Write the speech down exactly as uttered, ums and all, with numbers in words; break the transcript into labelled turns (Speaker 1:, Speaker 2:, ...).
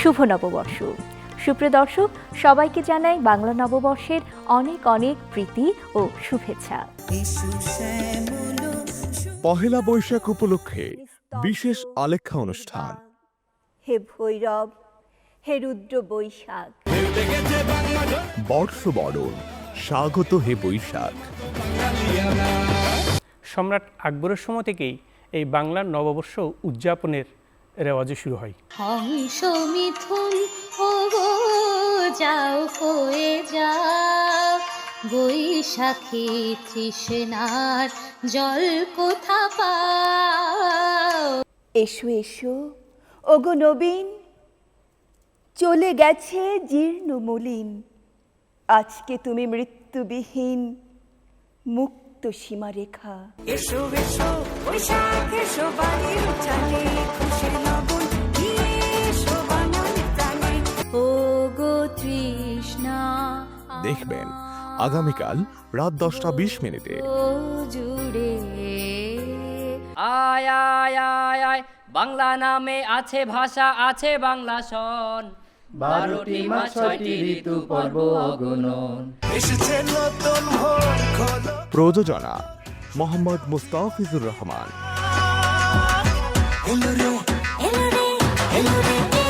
Speaker 1: শুভ নববর্ষ। সুপ্রিয় দর্শক, সবাইকে জানাই বাংলা নববর্ষের অনেক অনেক প্রীতি ও শুভেচ্ছা।
Speaker 2: পহেলা বৈশাখ উপলক্ষে বিশেষ আলেখ্যা অনুষ্ঠান।
Speaker 1: হে ভৈরব, হে রুদ্র বৈশাখ,
Speaker 2: বর্ষবরণ, স্বাগত হে বৈশাখ।
Speaker 3: সম্রাট আকবরের সময় থেকেই এই বাংলার নববর্ষ উদযাপনের রেওয়াজ শুরু হয়।
Speaker 4: হংস মিথুন ও গো যাও কয়ে যাও, বৈশাখী তৃষ্ণার জল কোথা পাও।
Speaker 1: এসো এসো ওগো নবীন, চলে গেছে জীর্ণ মলিন, আজকে তুমি মৃত্যুবিহীন মুক্ত সীমারেখা।
Speaker 5: এসো এসো বৈশাখ এসো বাড়ির উঠানে, খুশির লগন নিয়ে এসো বাঙালি প্রাণে।
Speaker 4: ও গো তৃষ্ণা
Speaker 2: দেখবেন আগামীকাল রাত দশটা বিশ মিনিটে।
Speaker 4: ও জুড়ে
Speaker 6: আয় আয় আয় আয়, বাংলা নামে আছে ভাষা, আছে বাংলা সন, বারোটি মাস ছয়টি ঋতু পর্ব অগণন।
Speaker 2: প্রযোজনা মোহাম্মদ মুস্তাফিজুর রহমান।
Speaker 5: এলো রে এলো রে এলো রে